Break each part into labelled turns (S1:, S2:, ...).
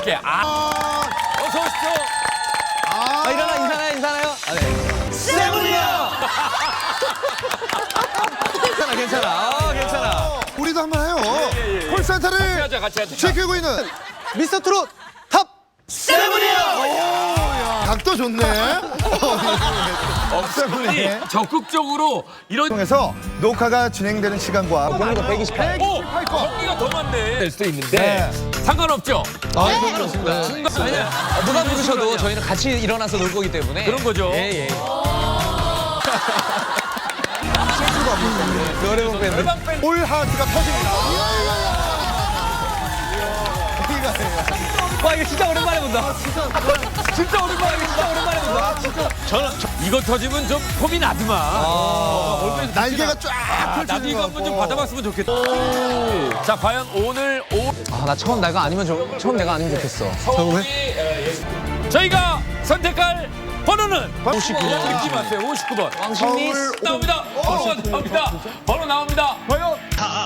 S1: 함께. 어서 오십시오.
S2: 인사나요? 네. 세븐이요! 괜찮아.
S3: 우리도 한번 해요. 콜센터를
S1: 같이 하자.
S3: 지키고 있는
S2: 미스터 트롯 탑
S3: 각도 좋네.
S1: 아니, 적극적으로 이런
S3: 통해서 녹화가 진행되는 시간과
S2: 오늘도 128.
S1: 경기가 더 많네. 될 수도 있는데 상관없죠.
S2: 상관없습니다. 누가 부르셔도 저희는 같이 일어나서 놀 거기 때문에.
S1: 그런 거죠.
S2: 예. 노래방 밴드.
S1: 노래방 밴드.
S3: 올 하트가 터집니다.
S2: 와, 이거 진짜 오랜만에 본다. 진짜 오랜만에 본다.
S1: 이거 터지면 좀 폼이 나더만.
S3: 날개가 쫙
S1: 나도
S3: 펼쳐지는
S1: 이거
S3: 것
S1: 한번 좀
S3: 같고.
S1: 받아봤으면 좋겠다. 자, 과연 오늘
S2: 나 처음 내가 아니면 좋겠어.
S1: 서울이 저희가 선택할 번호는
S3: 59번.
S1: 잊지 마세요. 59번.
S2: 왕십리스.
S1: 나옵니다. 번호가 나옵니다. 번호 나옵니다.
S3: 과연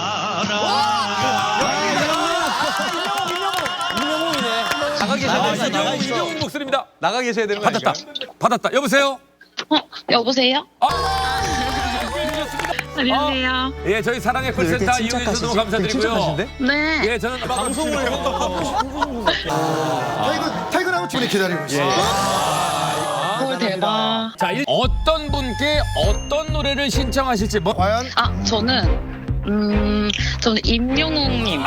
S1: 이명훈 목소리입니다.
S2: 나가 계셔야 되는 거 아닐까?
S1: 받았다. 여보세요?
S4: 여보세요? 안녕하세요.
S1: 예, 저희 사랑의 콜센터 이용해 주셔서 너무 감사드리고요.
S4: 네.
S1: 예, 저는 방송을
S3: 퇴근하고 충분히 기다리고 있어요.
S4: 헐, 대박.
S1: 자, 어떤 분께 어떤 노래를 신청하실지
S3: 과연
S4: 저는 임영웅님.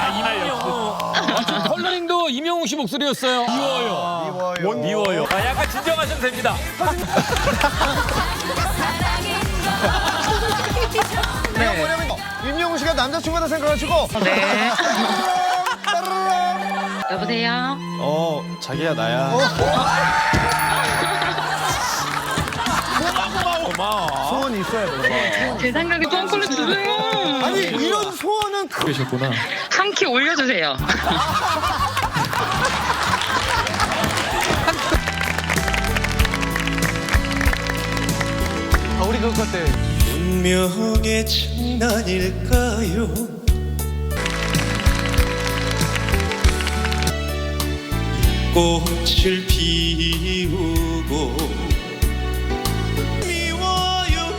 S1: 컬러링도 임영웅 씨 목소리였어요. 미워요. 약간 진정하셔도 됩니다.
S3: 뭐냐면 임영웅 씨가 남자친구다 생각하시고
S4: 네. 여보세요?
S5: 자기야 나야.
S3: 소원이 있어야 돼.
S4: 제 생각에 똥콜을 주세요.
S3: 아니 이런 소원은
S5: 계셨구나.
S4: 한 키 올려주세요.
S2: 우리 그거 때.
S5: 운명의 장난일까요? 꽃을 피우고 미워요.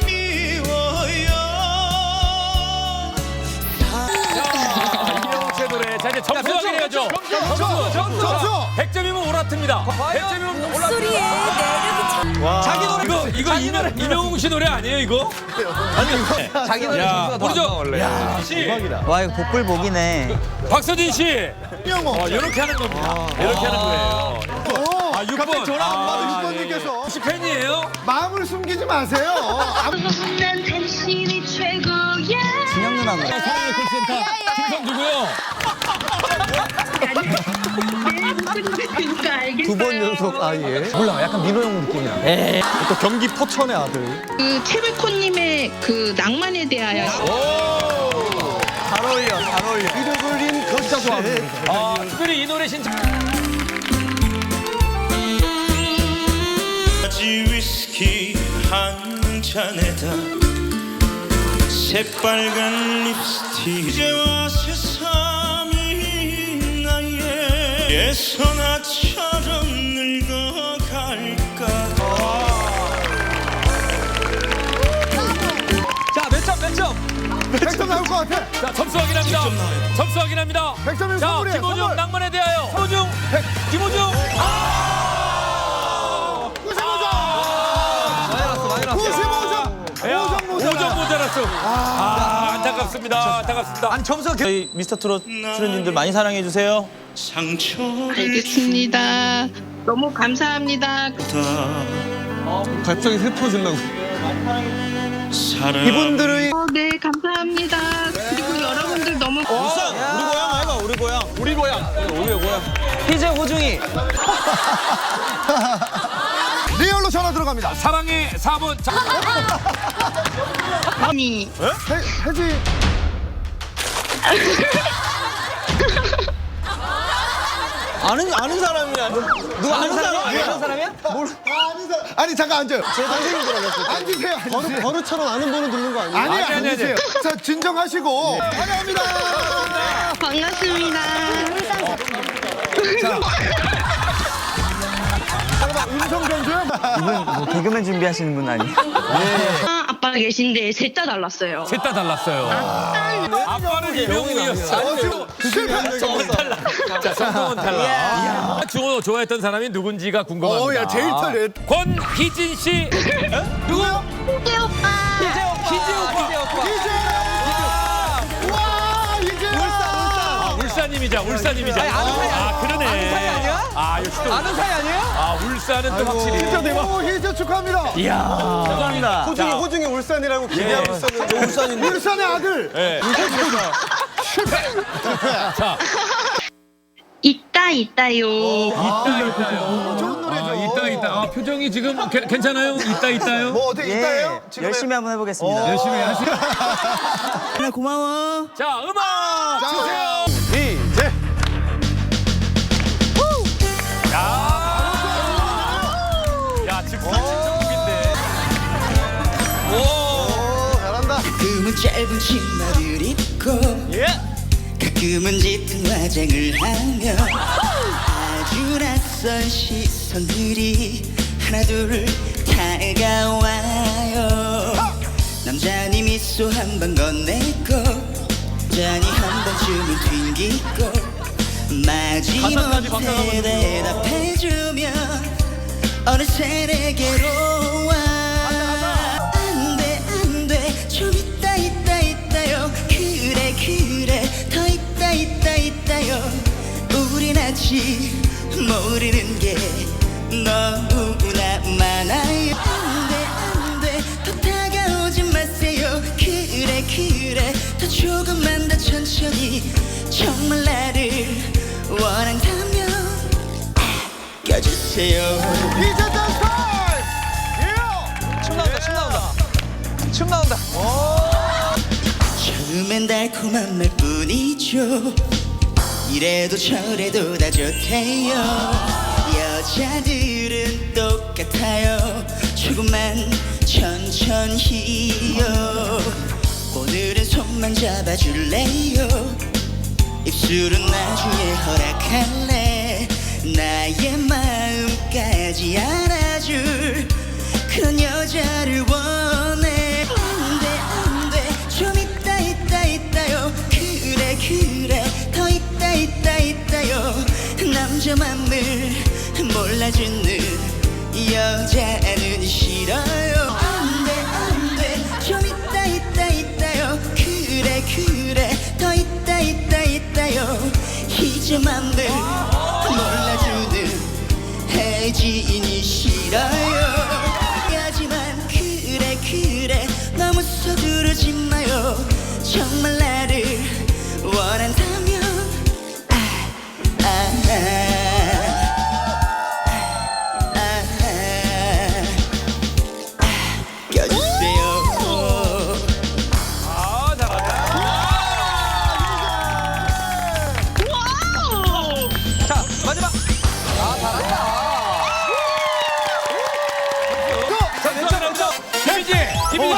S1: 임영웅 씨의 노래. 자, 이제 점수 확인해야죠.
S3: 점수.
S1: 100점이면 오라트입니다. 100점이면
S6: 목소리에 매력이
S1: 자기 노래 이거 임영웅 씨 노래 아니에요, 이거?
S2: 자기 노래
S1: 야,
S2: 점수가 더
S1: 우리
S2: 안 나와, 원래.
S1: 야, 씨.
S7: 와 이거 복불복이네.
S1: 박서진 씨.
S3: 임영웅.
S1: 이렇게 하는 겁니다. 이렇게 하는 거예요. 아, 6번.
S3: 갑자기 전화 안 받은 6번님께서
S1: 혹시 팬이에요?
S3: 마음을 숨기지 마세요.
S4: 난 당신이 최고야.
S7: 진영 누나 노래.
S1: 사랑의 콜센터 김성주고요.
S4: 그러니까 알겠어요.
S2: 두 번 연속 예. 몰라, 약간 민호 형 느낌이야.
S5: 또 경기 포천의 아들.
S8: 그 최백호님의 그 낭만에 대하여
S5: 잘 어울려.
S3: 이름을린 진짜 좋아합니다.
S1: 특별히 이 노래 신청.
S9: 위스키 한 잔에다 새빨간 립스틱 이제와 새삼이 나의 예선아처럼 늙어갈까.
S2: 자, 몇 점?
S3: 100점 나올 것 같아.
S1: 자, 점수 확인합니다. 점수 확인합니다.
S3: 100점이면
S1: 자,
S3: 선물이에요.
S1: 김호중
S3: 선물.
S1: 낭만에 대하여. 김호중. 5점 모자랐어. 안타깝습니다.
S2: 아니, 점수가
S5: 저희 미스터 트롯 출연진들 많이 사랑해 주세요.
S9: 상처를
S8: 알겠습니다. 너무 감사합니다.
S2: 갑자기 슬퍼지려고.
S9: 사랑
S5: 이분들의
S8: 네, 감사합니다. 그리고 여러분들 너무
S5: 우리 고향.
S2: 우리 고향. 희재 호중이.
S3: 리얼로 전화 들어갑니다.
S1: 사랑의 4번. 자,
S8: 많이
S3: 해지.
S5: 아는 사람이야.
S2: 누가 아는 사람이야? 아는 사람이야?
S3: 아니 잠깐 앉아요. 제 동생인 줄 알았어요. 앉으세요.
S5: 버릇처럼 아는 번호 듣는 거 아니에요?
S3: 아니
S1: 아니.
S3: 앉으세요. 자 진정하시고 환영합니다.
S8: 반갑습니다.
S3: 음성 변조야?
S7: 이분 뭐 개그맨 준비하시는 분 아니에요?
S8: 아빠 계신데 셋 다 달랐어요.
S1: 셋 다 달랐어요. 아빠는 이명웅이었어요. 성공은 탈락. 자, 성공은 탈락. 주호 좋아했던 사람이 누군지가 궁금합니다.
S3: 야, 제일 털려.
S1: 권희진 씨.
S3: 누구요?
S8: 희재 오빠.
S3: 와, 이제
S1: 울산님이자. 아, 그러네.
S2: 아는 사이 아니야?
S1: 아, 역시 또.
S2: 아는 사이 아니에요?
S1: 아, 울산은 또 확실히.
S3: 오, 희재 축하합니다.
S7: 감사합니다.
S3: 호중이 울산이라고 기대하고 있었는데. 울산인데. 울산의 아들.
S1: 네. 자,
S8: 있다요.
S3: 좋은 노래죠.
S1: 있다. 아, 표정이 지금 괜찮아요? 있다요?
S3: 뭐 어떻게 있다요?
S7: 예, 열심히 한번 해보겠습니다.
S1: 열심히 하시죠.
S7: 네, 고마워.
S1: 자, 음악 주세요.
S3: 이제.
S1: 야, 즉석 신청곡인데.
S3: 오, 잘한다.
S10: 가끔은 짧은 치마를 입고 가끔은 짙은 화장을 하며 아주 낯선 시선들이 하나둘 다가와요. 남자니 미소 한 번 건네고 여자니 한 번쯤은 튕기고 마지막 대답해주면 어느새 내게로 와. 안돼 좀 있다요. 그래 더 있다요. 우린 아직 모르는 게 너무나 많아요. 안돼 더 다가오지 마세요. 그래 더 조금만 더 천천히 정말 나를 원한다면 껴주세요.
S3: 이제 댄스 타임!
S2: 춤 나온다.
S10: 처음엔 달콤한 말뿐이죠. 이래도 저래도 다 좋대요. 여자들은 똑같아요. 조금만 천천히요. 오늘은 손만 잡아줄래요. 입술은 나중에 허락할래. 나의 마음까지 알아줄 그런 여자를 원해. 안돼 좀 있다요. 그래 더 있다요. 남자 맘을 몰라주는 여자는 싫어요. 안돼 좀 있다요. 그래 더 있다요. 이제 맘을 몰라주는 혜진이 싫어요. 하지만 그래 너무 서두르지 마요. 정말 나를 원한다면 껴주세요.
S1: 아, 잘한다.
S2: 자, 마지막.
S1: 김희진.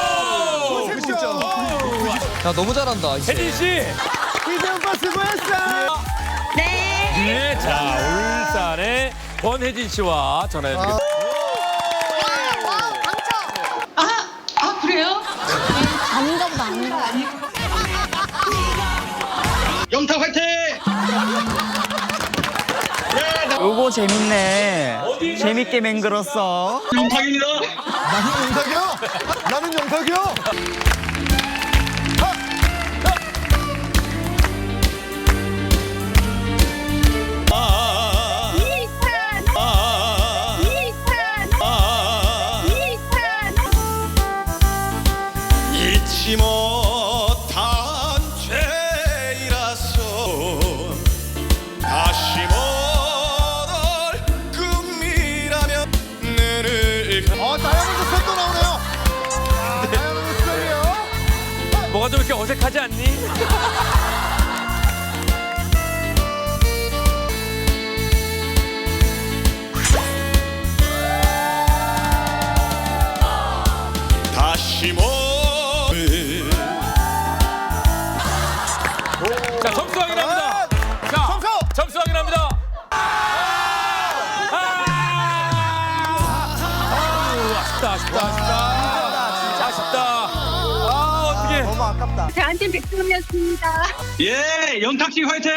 S2: 야, 너무 잘한다.
S1: 혜진 씨.
S3: 이제 오빠 수고했어.
S1: 네, 자, 울산의 권혜진 씨와 전화 연결.
S8: 아 그래요?
S6: 아닌가 보다, 아닌가.
S3: 영탁 화이팅!
S7: 요거 재밌네. 재밌게 맹글었어.
S3: 영탁입니다. 나는 영탁이요? 나는 영탁이요?
S9: 잊지 못한 죄라서 다시 못올 꿈이라면 눈을
S3: 다이아몬드 셋도 나오네요. 다이아몬드 셋이요.
S1: 뭐가 좀 이렇게 어색하지 않니?
S9: 다시 못
S1: 자, 점수 확인합니다. 자, 점수 확인합니다.
S4: 저한테 백승이었습니다.
S5: 예, 영탁 씨 화이팅!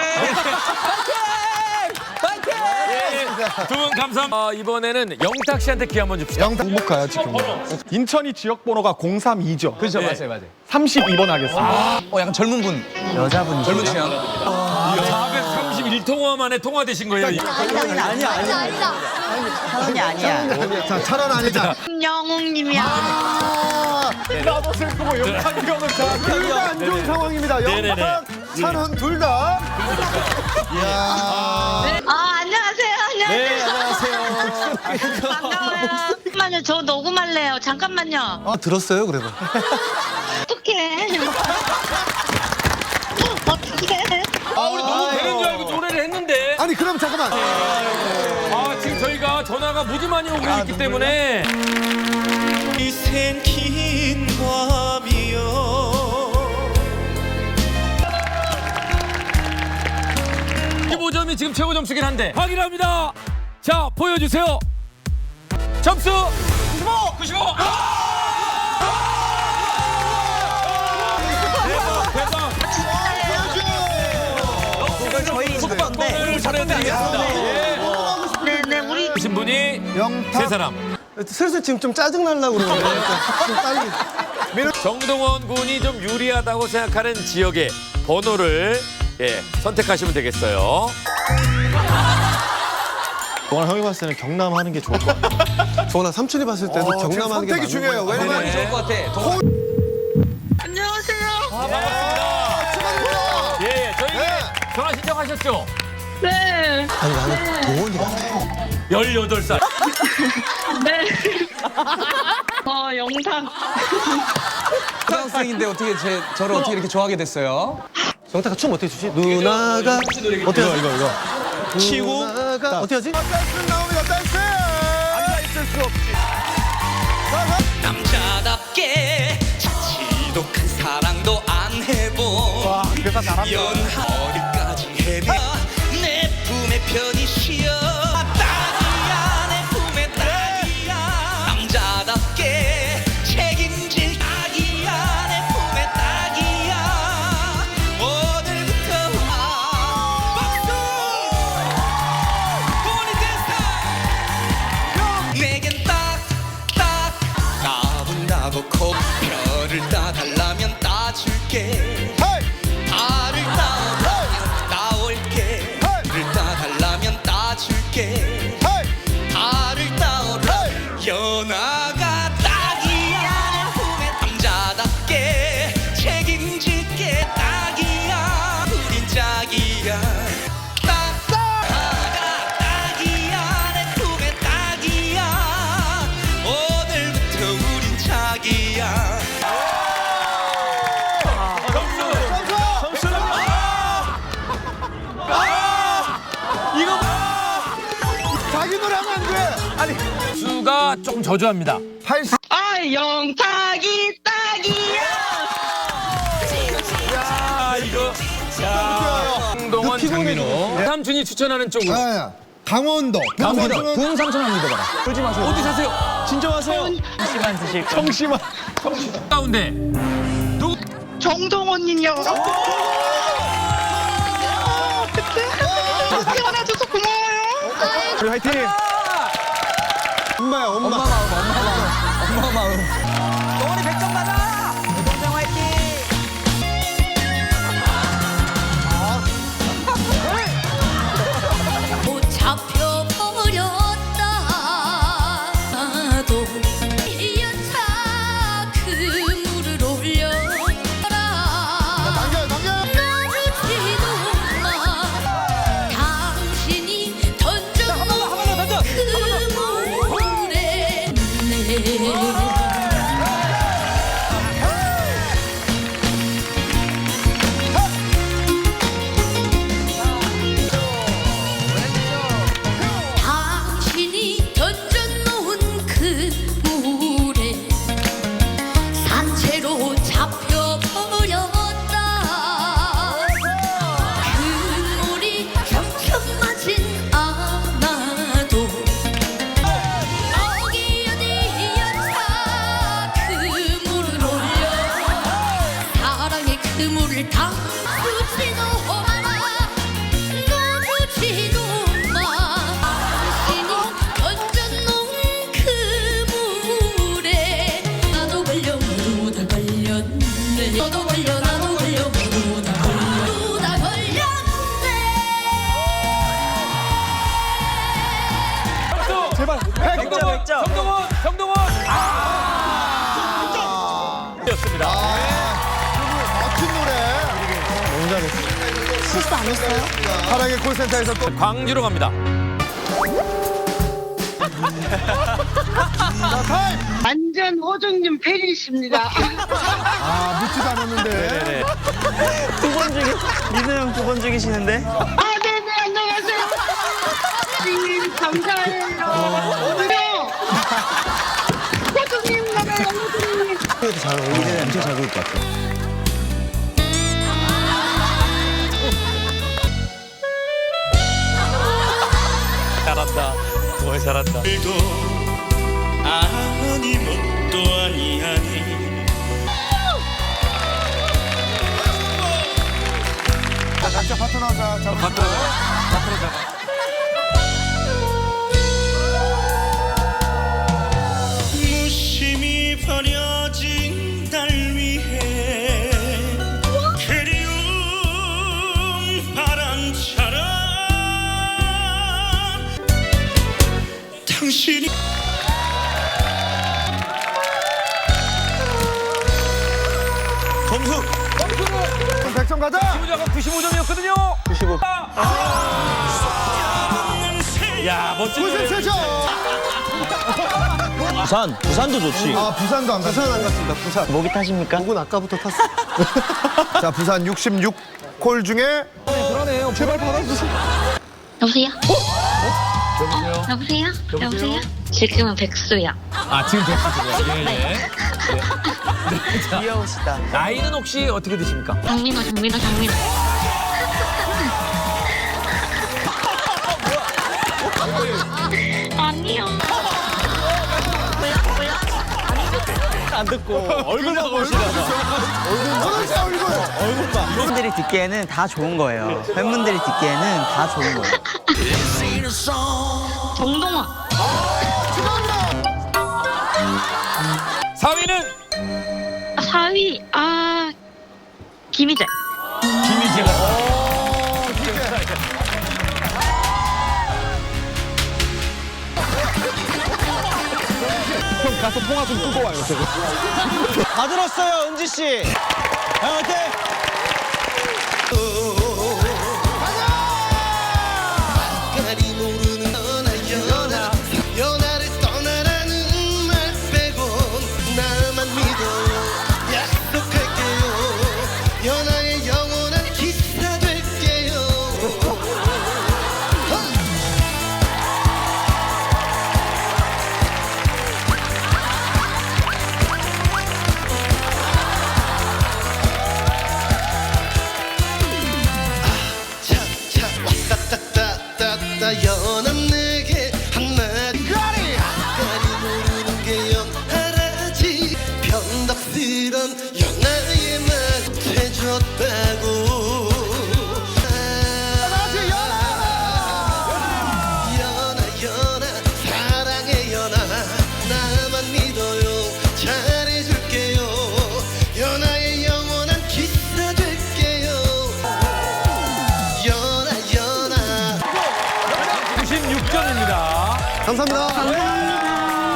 S1: 두 분 감사합니다. 이번에는 영탁 씨한테 기 한번 줍시다.
S3: 영탁 행복가요 지금. 인천이 지역 번호가 032죠.
S2: 그렇죠, 맞아요.
S3: 32번 하겠습니다.
S2: 약간 젊은 분,
S7: 여자분.
S2: 젊은 취향.
S1: 431통화 만에 통화되신 거예요.
S6: 아니다.
S7: 사연이 아니야.
S3: 자, 천원 아니다.
S8: 영웅님이야.
S3: 나도 슬프고 영탁이 형은 둘 다 안 좋은 상황입니다.
S1: 네네네.
S3: 영탁, 찬원 둘 다.
S8: 안녕하세요.
S3: 네, 안녕하세요.
S8: 반가워요. 잠깐만요. 저 녹음할래요. 잠깐만요.
S3: 들었어요, 그래도.
S8: 어떡해. 어떡해.
S1: 우리 너무 되는 줄 알고 노래를 했는데.
S3: 아니, 그럼 잠깐만.
S1: 지금 저희가 전화가 무지 많이 오고 있기 때문에.
S9: 이 생긴 밤이여
S1: 15점이 지금 최고 점수긴 한데 확인합니다. 자, 보여주세요. 점수 95. 대박.
S7: 이걸 저희
S1: 선물을 전해드리겠습니다.
S8: 네네, 우리.
S1: 오신 분이
S3: 영탁.
S1: 세 사람.
S3: 슬슬 지금 좀 짜증나려고 그러는데. 좀 빨리.
S1: 정동원 군이 좀 유리하다고 생각하는 지역의 번호를 선택하시면 되겠어요.
S3: 동원 형이 봤을 때는 경남 하는 게 좋을 것 같아. 동원아 삼촌이 봤을 때도 경남 하는 게
S2: 선택이 중요해요.
S3: 왜냐면
S2: 좋을 것 같아.
S8: 안녕하세요.
S1: 반갑습니다. 저희 전화 신청하셨죠?
S8: 네.
S3: 아니 나는 동원이 같아.
S1: 18살.
S8: 네. 영탁.
S2: 초등학생인데 어떻게 저를 어떻게 이렇게 좋아하게 됐어요?
S3: 영탁아 춤 어떻게 추지? 누나가 어떻게 하지? 이거. 치고 어떻게 하지? 댄스 나옵니다. 댄스. 앉아있을 수 없지.
S10: 남자답게 지독한 사랑도 안 해본
S3: 와, 대사 잘한다.
S10: 연하리까지 헤매 내 품에 편히 쉬어 딱이야 내 품에 딱이야 남자답게 책임질 딱이야 내 품에 딱이야 오늘부터 박수 돈이 됐어 내겐 딱딱 까분다고 코뼈를 따달라면 따줄게 달을 따오면 따올게 달을 따달라면 따줄게 달을 따오라 연하가 딱이야 내 품에 남자답게 책임질게 딱이야 우린 짝이야 연하가 딱이야 내 품에 딱이야 오늘부터 우린 짝이야
S3: 자기 노래 하면 안 돼. 아니
S1: 수가 조금 저조합니다.
S3: 80.
S8: 영탁이 딱이야.
S1: 이거. 정동원, 장민호. 삼촌이 추천하는 쪽으로.
S3: 아, 강원도.
S2: 군 삼촌 한번 믿어봐라.
S1: 어디 사세요?
S3: 진정하세요.
S7: 시간 드실 거.
S3: 청심환.
S1: 가운데.
S8: 정동원님요. 태어나줘서 고마워요.
S3: 우리 화이팅. 엄마야 엄마.
S2: 엄마 마음.
S7: 동원이 100점 받아. 동생 화이팅.
S6: 못 잡혀버렸다도 1년차 그물을 올려라 나르지도 마 당신이 던져놓은 그물에
S1: 정동원, 정동원. 였습니다.
S3: 멋진 노래. 너무 잘했어.
S6: 실수 안 했어요?
S3: 사랑의 콜센터에서 또
S1: 광주로 갑니다.
S8: 완전 오정님 팬이십니다.
S3: 아, 묻지도 않았는데.
S1: 네네.
S7: 두 번 죽이 민호 형 두 번 죽이시는데.
S8: 아, 네네, 안녕하세요. 선생님, 감사해요. 어디요? 오정님, 나가요, 오정님.
S3: 잘 어울리네. 엄청 잘 어울릴 것 같아.
S1: 잘한다. 정말 잘한다.
S9: 도 아니 뭣도 아니하니
S3: 자, 각자 파트너 잡아.
S1: 파트너 잡아.
S9: 무심히 버려진 날 위해 그리운 바람처럼 당신이
S3: 점수 100점 가자.
S1: 95점, 95점이었거든요.
S3: 95.
S1: 야, 멋진 노래.
S3: 97점.
S7: 부산도 좋지.
S3: 아, 부산도 안 갔습니다. 부산 안 갔습니다. 부산.
S7: 목이 타십니까?
S3: 목은 아까부터 탔어. 자, 부산 66콜 중에
S2: 그러네요.
S3: 제발 받아주세요.
S4: 여보세요?
S1: 여보세요?
S4: 여보세요? 여보세요? 지금은 백수야.
S1: 아, 지금 됐습니다. 예, 예.
S7: 귀여우시다.
S1: 나이는 혹시 어떻게 되십니까?
S4: 장민호. 아니요. 뭐야?
S7: 안 듣고.
S1: 얼굴만 보시라고.
S3: 얼굴 봐.
S7: 팬분들이 듣기에는 다 좋은 거예요. 팬분들이 듣기에는 다 좋은 거예요.
S4: 정동원.
S1: 4위는
S4: 4위. 김희재.
S1: 김희재가.
S3: 형 가서 통화 좀 끄고 와요, 저거.
S7: 다 들었어요, 은지 씨. 화이팅!
S10: 가리 모르는 연하를 떠나라는 말 빼곤 나만 믿어요 약속할게요 연하의 영원한 기사 될게요 차차 왔다따따따따 연한 내게 한마디 가리 모르는 게 연하라지 변덕스런 연하의 맛 해줬다고 연하 사랑해 연하 나만 믿어요 잘해줄게요 연하의 영원한 기사 될게요 연하
S1: 96점입니다.
S3: 감사합니다.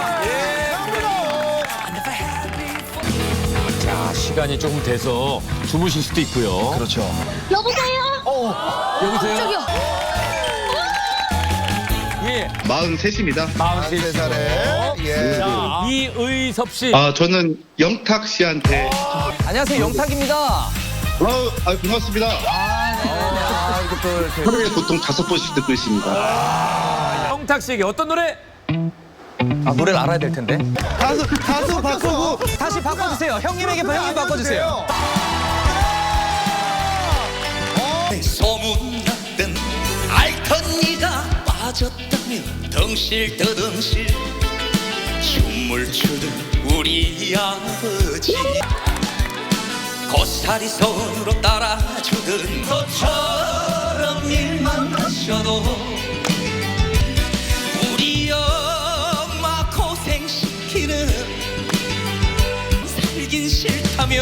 S1: 자, 시간이 조금 돼서 주무실 수도 있고요.
S3: 그렇죠.
S4: 여보세요?
S1: 여보세요?
S6: 저기요.
S1: 예.
S5: 43입니다.
S1: 43살에.
S3: 예.
S1: 자, 이의섭 씨.
S5: 저는 영탁 씨한테
S2: 안녕하세요. 영탁입니다.
S5: 고맙습니다. 하루에 보통 5번씩 듣고 있습니다.
S1: 영탁 씨에게 어떤 노래?
S2: 아, 노래를 알아야 될 텐데.
S3: 가수 바꾸고.
S2: 다시 바꿔주세요. 형님에게 형님 바꿔주세요.
S10: 소문났던 알턴니가 빠졌다면 덩실더덩실 춤을 추던 우리 아버지 고사리 손으로 따라주던 너처럼 일만 하셔도 우리 엄마 고생시키는 살긴 싫다며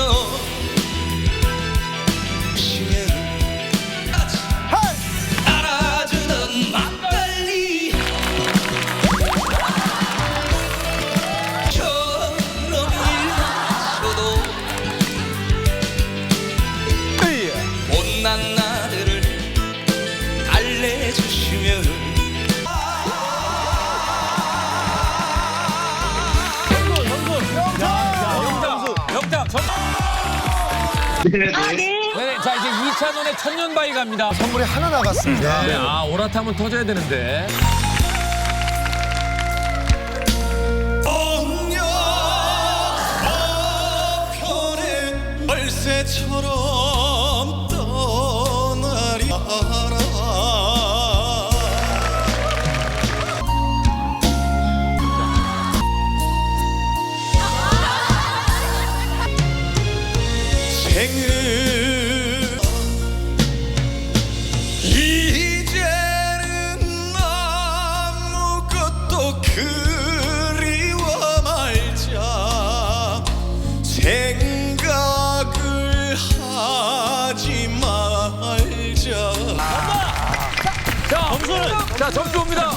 S10: 따라주던 막걸리
S1: 영탁 전. 네, 자 이제 2차전에 천년바위 갑니다.
S3: 선물이 하나 나갔습니다.
S1: 네, 아 오라타면 터져야 되는데.
S9: 벌새처럼 떠나리 알아. 생을 이제는 아무것도 그리워 말자. 생각을 하지 말자.
S1: 자 점수는 자 점수 옵니다.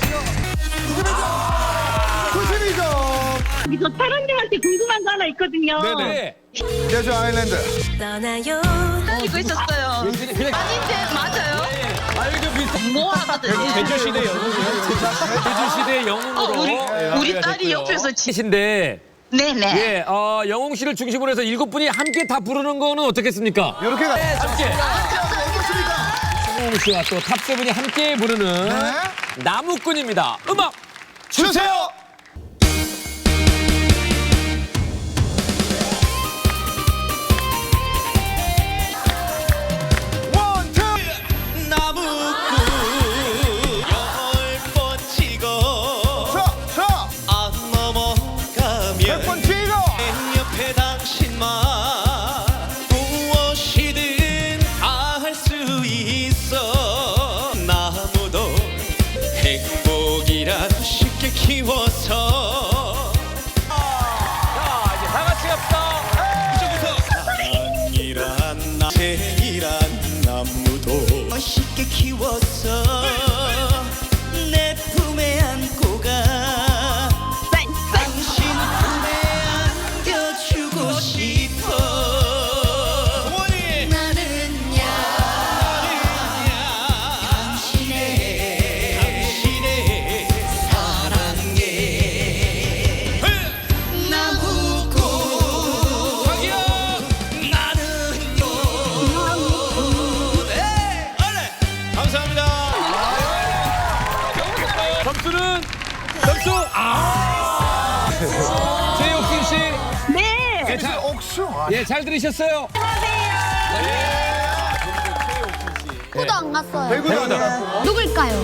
S3: 92점.
S8: 저 사랑님한테 궁금한 거 하나 있거든요.
S1: 네.
S3: 제주 아일랜드.
S6: 떠나요
S4: 이거 있었어요. 아닌데 맞아요?
S1: 아 이게 비슷.
S4: 뭐 하거든요.
S1: 제주시대 영웅이요. 제주시대 영웅으로.
S4: 우리 딸이 옆에서
S1: 치신데.
S4: 네네.
S1: 예, 영웅 씨를 중심으로 해서 7분이 함께 다 부르는 거는 어떻겠습니까?
S3: 이렇게 가.
S1: 함께. 영웅 씨와 또 탑세븐이 함께 부르는 나무꾼입니다. 음악
S3: 주세요.
S9: 나무꾼 10번 찍어 안 넘어가면
S3: 100번 찍어.
S9: 내 옆에 당신만 무엇이든 다 할 수 있어. 나무도 행복이란 쉽게 키워서.
S1: 자, 이제 다 같이 갑시다.
S9: 사랑이란 생이란 나무도 쉽게 키워서 내 품에 안고 가. 당신 품에 안겨주고 싶어.
S6: 나는야
S9: 당신의 사랑에 나무꾼
S1: 자기야.
S9: 나는요. 네, 얼른 감사합니다.
S1: 점수는 점수 최옥순 씨.
S8: 네.
S1: 예, 잘,
S3: 옥수.
S1: 예, 잘 들으셨어요?
S6: 코도 안 갔어요
S3: 배구다.
S6: 누굴까요?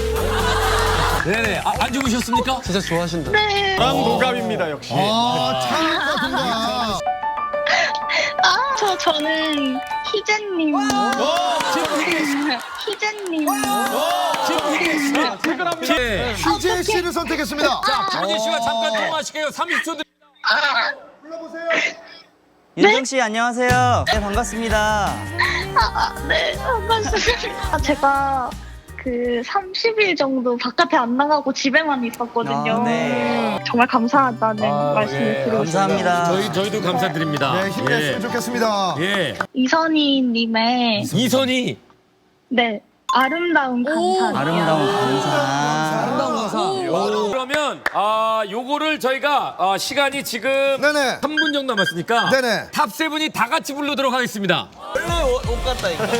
S1: 네네. 안 주무셨습니까?
S2: 진짜 좋아하신다.
S3: 랑 동갑입니다 역시. 차이가 동갑.
S8: 저는 희재님. 희재님.
S1: 예.
S3: 희재 씨를 선택했습니다.
S1: 자, 김은희 씨와 잠깐 통화하실게요. 30초 드립니다.
S7: 윤정 씨 안녕하세요. 네 반갑습니다.
S8: 네, 반갑습니다. 제가 그 30일 정도 바깥에 안 나가고 집에만 있었거든요.
S7: 네.
S8: 정말 감사하다는 말씀을 드리고
S7: 감사합니다.
S1: 저희도 감사드립니다.
S3: 네 힘냈으면 좋겠습니다.
S1: 예.
S8: 이선희님의
S1: 이선희.
S8: 네 아름다운 감사.
S7: 아름다운 감사.
S1: 그러면 요거를 저희가 시간이 지금
S3: 네네.
S1: 3분 정도 남았으니까
S3: 네네.
S1: 탑세븐이 다 같이 부르도록 하겠습니다.
S7: 원래 옷 같다 이거.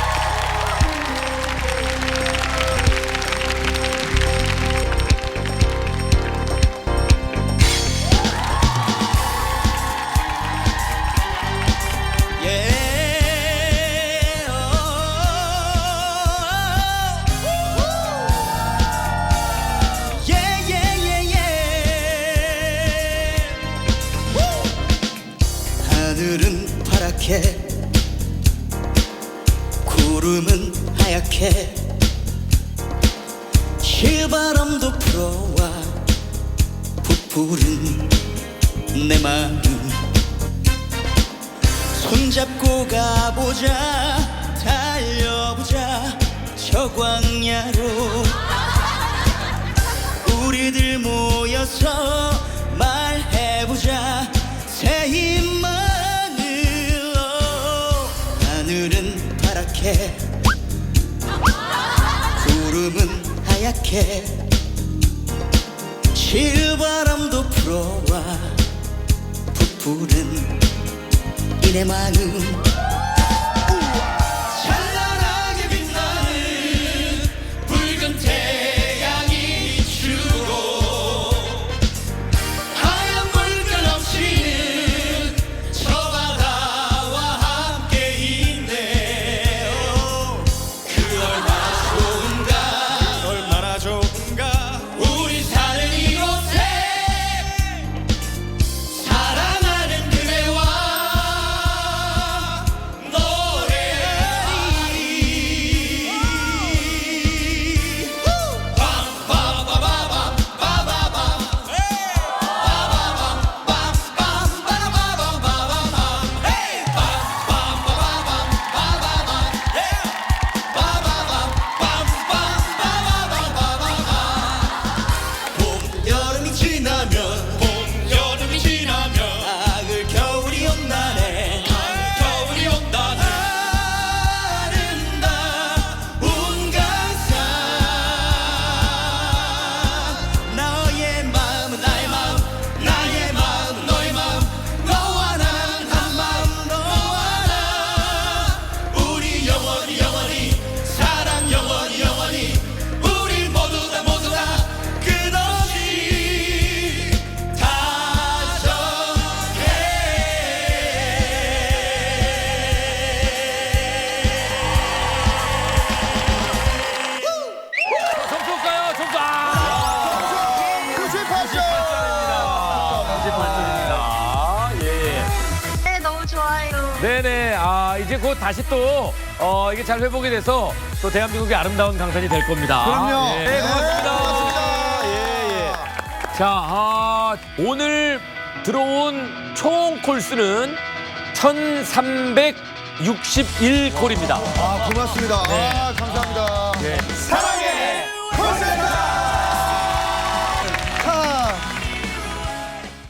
S10: 하늘은 파랗게 구름은 하얗게 실바람도 불어와 부푸른 내 마음 손잡고 가보자 달려보자 저 광야로 우리들 모여서 말해보자 새 힘만으로 하늘은 파랗게 구름은 하얗게 실바람도 불어와 부푸른 이내 마음 찬란하게 빛나는 붉은 태양이 비추고 하얀 물결 넘치는 저 바다와 함께 있네 그 얼마나 좋은가 우리 사는 이곳에 사랑하는 그대와 여름이 지나면 가을 겨울이 온다네 겨울이 온다네 아름다운 강산 너의 마음은 나의 마음 나의 마음은 너의 마음 너와 난 한 마음 너와 나 우리 영원히 영원히 사랑 영원히 영원히 우리 모두 다 끝없이
S1: 점수 올까요? 점수 98점입니다. 예.
S8: 네, 너무 좋아요.
S1: 네네. 이제 곧 다시 또 이게 잘 회복이 돼서 또 대한민국의 아름다운 강산이 될 겁니다.
S3: 그럼요.
S1: 네, 고맙습니다.
S3: 예.
S1: 자, 오늘 들어온 총 콜수는 1,361콜입니다.
S3: 고맙습니다. 감사합니다.
S1: 네.
S3: 사랑!